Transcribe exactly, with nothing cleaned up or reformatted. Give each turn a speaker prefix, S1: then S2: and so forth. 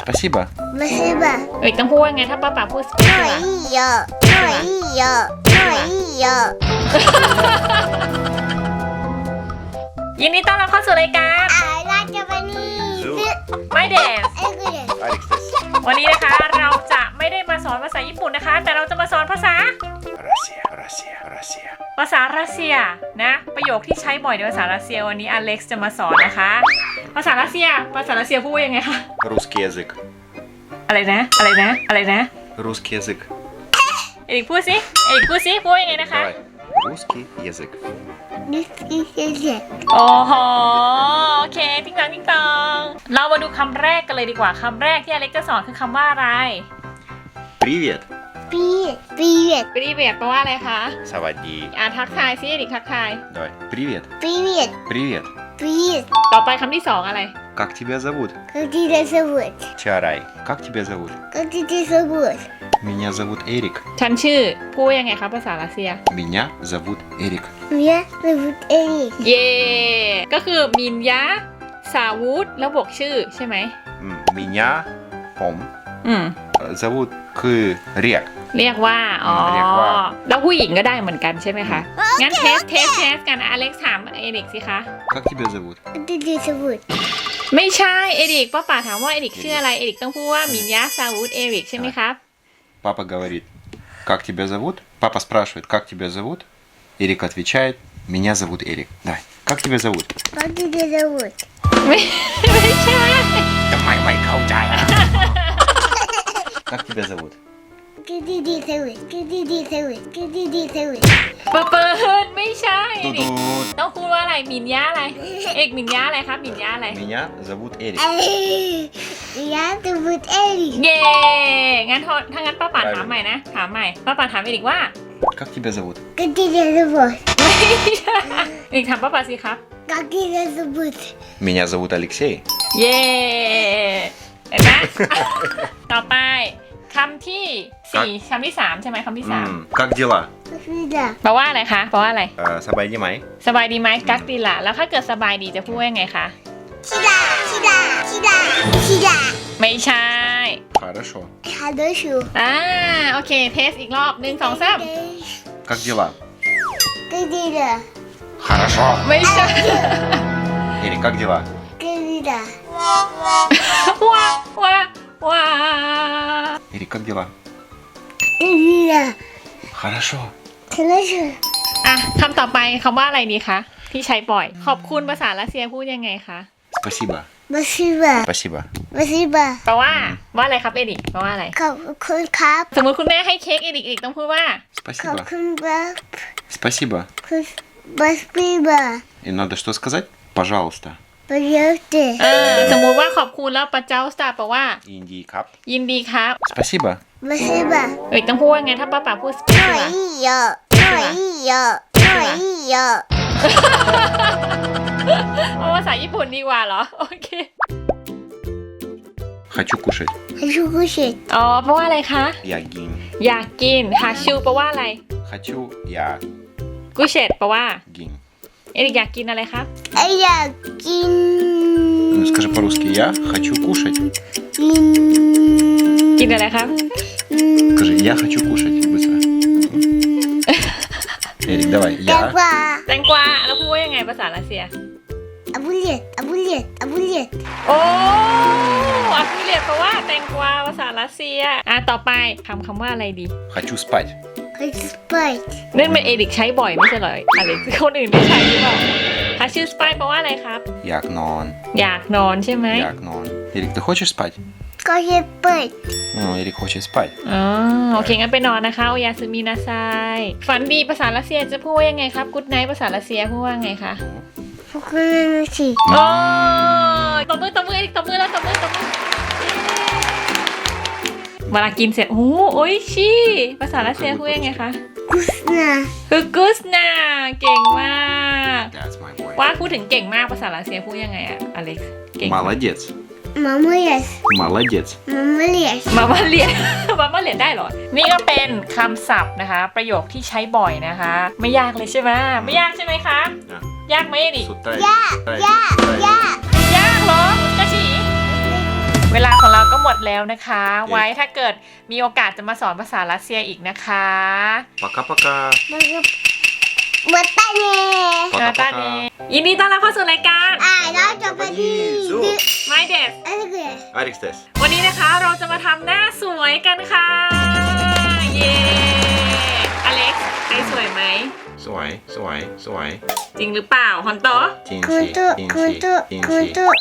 S1: Спасибо.
S2: Спасибо.
S3: เอกต้องพูดว่าไงถ้าป้าป๋าพูด spasiba
S2: หน่อยเยอะหน่อยเยอะหน่อยเยอะ
S3: ยินดีต้อนรับเข้าสู่รายการ
S2: อะไรจะวันนี้ซื้อ
S3: ไม่เดน
S2: ไอ้กูเด็ก
S1: Алекс Тесс.
S3: วันนี้นะคะเราจะไม่ได้มาสอนภาษาญี่ปุ่นนะคะ แต่เราจะมาสอนภาษา
S1: Россия, Россия, Россия.
S3: ภาษารัสเซียนะประโยคที่ใช้บ่อยในภาษารัสเซียวันนี้อเล็กซ์จะมาสอนนะคะ ภาษารัสเซียภาษารัสเซียพูดว่ายังไงคะ
S1: Русский язык.
S3: อะไรนะอะไรนะอะไรนะ
S1: Русский язык.
S3: เอกพูดสิเอกพูดสิพูดว่ายังไงนะคะ
S1: Давай. Русский язык.
S2: นี่คือเด็ก
S3: โอ้โหโอเคติ๊งตังติ๊งตังเรามาดูคำแรกกันเลยดีกว่าคำแรกที่อเล็กซ์จะสอนคือคำว่าอะไร
S1: Привет.
S2: ปีปีเด็ก
S3: ปรีเวียดแปลว่าอะไรคะ
S1: Савади.
S3: อ่าทักทายสิเด็กทักทาย
S1: Давай. Привет.
S2: ปีเด็ก
S1: Привет.
S2: ปี
S3: ต่อไปคำที่สองอะไร
S1: Как тебя зовут?
S2: ก็ที่จะสวุด
S1: Чарай. Как тебя зовут?
S2: ก็ที่จะสวุด
S1: Меня зовут Эрик.
S3: ฉันชื่อพูดว่ายังไงคะภาษารัสเซีย
S1: Меня зовут Эрик.
S2: เมียสวุดเอริก
S3: เย่ก็คือมินยะสาวุธแล้วบวกชื่อใช่ไหม
S1: М, Меня Пом.
S3: อืม
S1: э, Зовут К Рек.
S3: เรียกว่าอ๋อ
S1: เรียกว่า
S3: แล้วผู้หญิงก็ได้เหมือนกันใช่ไหมคะงั้นเทสเทสเทสกันอเล็กซ์ถามเอริกสิคะ
S1: Как тебя зовут?
S2: ก็ที่จะสวุด
S3: ไม่ใช่เอริกป้าป๋าถามว่าเอริกชื่ออะไรเอริกต้องพูดว่ามินยะสาวุธเอริกใช่ไหมครับ
S1: Папа говорит, как тебя зовут? Папа спрашивает, как тебя зовут? Эрик отвечает, меня зовут Эрик. Давай, как тебя зовут?
S2: ก็ที่จะสวุด
S3: ไม่ไม่ใช่
S1: Давай, май, каучай. Как тебя зовут?
S2: ก็ที่จะสวุดก็ที่จะสวุดก็ที่จะสวุด
S3: ปะเปิดไม่ใช่เอริก
S1: Тудут.
S3: ต้องพูดว่าอะไรมินยะอะไรเอกมินยะอะไรครับมินยะอะไร
S1: Меня зовут Эрик.
S2: เอ้ยเมียสวุดเอริก
S3: เย่งั้นทถ้างั้นป้าป่าถามใหม่นะ ถามใหม่ ป้าป่าถามอีกว่า
S1: Как тебя зовут?
S2: ก็ที่จะสวุด
S3: อีกถามป้าป่าสิครับ
S2: ก็ที่จะสวุด
S1: Меня зовут Алексей.
S3: เย่เห็นไหม ต่อไปคำที่สี่คำที่สามใช่ไหมคำที่สาม
S1: М, Как дела?
S2: ก็คือจะ
S3: แปลว่าอะไรคะแปลว่าอะไร
S1: Э, Сабайди май.
S3: สบายดีไหมกักดีละแล้วถ้าเกิดสบายดีจะพูดว่ายังไงคะ
S2: ชิดาชิดาชิดาชิดา
S3: ไม่ใช่
S1: Хорошо.
S2: ฮัลโหลชู
S3: อ่าโอเคเทสอีกรอบหนึ่งสองสาม
S1: Как дела?
S2: ก็ดีละ
S1: Хорошо.
S3: ไม่ใช่
S1: Эрик, как дела?
S2: ก็ดีละ
S3: ว้าว้าว้า
S1: Эрик, как дела?
S2: ก็ดีละ
S1: Хорошо.
S2: ฮัลโหลชู
S3: อ่ะคำต่อไปคำว่าอะไรดีคะที่ใช้บ่อย ขอบคุณภาษารัสเซียพูดยังไงคะ
S1: Спасибо.
S2: มาซิบะ
S1: Спасибо.
S2: มาซิบะ
S3: แปลว่าว่าอะไรครับเอริกแปลว่าอะไร
S2: ขอบคุณครับ
S3: สมมติคุณแม่ให้เค้กเอริกเอริกต้องพูดว่า
S2: ขอบ
S1: Спасибо.
S2: คุณครับ
S1: Спасибо.
S2: คุณมาซิบะ
S1: И надо что сказать? Пожалуйста.
S2: ประโยชน์
S3: เออสมมุติว่าขอบคุณแล้วปะเจ้าสตาแปลว่า
S1: Индии кап.
S3: ยินดีครับ
S1: Спасибо.
S2: มาซิบะ
S3: เอริกต้องพูดว่าไงถ้าป้าป๋าพูดส
S2: หน่อ
S3: ปาย
S2: เยอะหน่อยเยอะหน่อยเยอะ
S3: เอาภาษาญี่ปุ่นดีกว่าเหรอโอเค
S1: Хочу кушать.
S2: ให้ชูกุชิ
S3: อ๋อแปลว่าอะไรคะ
S1: Я гин.
S3: อยากกินฮาชูแปลว่าอะไร
S1: Хочу я
S3: กุเชตแปลว่า
S1: гин.
S3: เอริกอยากกินอะไรครับ
S2: ไออยากกิน
S1: Ну, скажи по-русски. Я хочу кушать.
S2: กิน
S3: กินอะไรครับ
S1: Скажи, я хочу кушать. Быстро. Эрик, давай.
S2: แตง
S1: Я
S2: กวา
S3: แตงกวาแล้วพูดว่ายังไงภาษารัสเซีย
S2: อาบุเลียตอาบุเลียตอาบุเลียต
S3: โอ้อักเรียกแปลว่าแตงกวาภาษารัสเซียอ่ะต่อไปคำคำว่าอะไรดี
S1: хочу спать.
S2: ให้สไปร์
S3: นั่นเป็นเอริกใช้บ่อยไม่ใช่เหรออะไรคนอื่นได้ใช้หรือเปล่าฮาชื่อสไปแปลว่าอะไรครับ
S1: Як нон.
S3: อยากนอนใช่ไหม
S1: Як нон. Эрик, ты хочешь спать?
S2: ก็จะเปิด
S1: Ну, Эрик хочет спать.
S3: อ๋อโอเคงั้นไปนอนนะคะโอยาซึมินาไซฝันดีภาษารัสเซียจะพูดว่ายังไงครับกู๊ดไนท์ภาษารัสเซียพูดว่าไงคะ
S2: พวกนั้นสิ
S3: โอ้ยตบมือตบมือเอริกตบมือแล้วตบมือตบมือเวลากินเสร็จโอ้โอ้ยชีภาษารัสเซียพูดยังไงคะ
S2: กุสนา
S3: คือกุสนาเก่งมาก
S1: That's my boy.
S3: ว่าพูดถึงเก่งมากภาษารัสเซียพูดยังไงอะอเล็กซ์เก่ง
S1: Молодец.
S2: มาเมียส
S1: Молодец.
S2: มาเมียส
S3: มามาเรียน มามาเรียนได้เหรอ นี่ก็เป็นคำศัพท์นะคะ ประโยคที่ใช้บ่อยนะคะ ไม่ยากเลยใช่ไหมไม่ยากใช่ไหมคะ
S1: А,
S3: ยากไหมดิ
S1: с утра.
S2: ยากยากยาก
S3: ยากเหรอกระฉี
S1: С
S3: เวลาของเราก็หมดแล้วนะคะ ไว้ถ้าเกิดมีโอกาสจะมาสอนภาษารัสเซียอีกนะคะ
S1: Пока-пока.
S2: มาตาเน่
S3: นาตาเนยินดีต้อนรับเข้าสู่รายการ
S2: อ่าแล้วจะไปดี
S3: ไม่เด็ด
S2: อะไรกัน
S1: Арикс Тес.
S3: วันนี้นะคะเราจะมาทำหน้าสวยกันค่ะ เย้อเล็กซ์ไอสวยไหม
S1: Суай, суай, суай.
S3: จริงหรือเปล่าฮอนโต
S2: คุณ
S1: Тинси,
S2: ตุคุณ
S1: тинси,
S2: ตุคุณ
S1: тинси.
S2: ตุ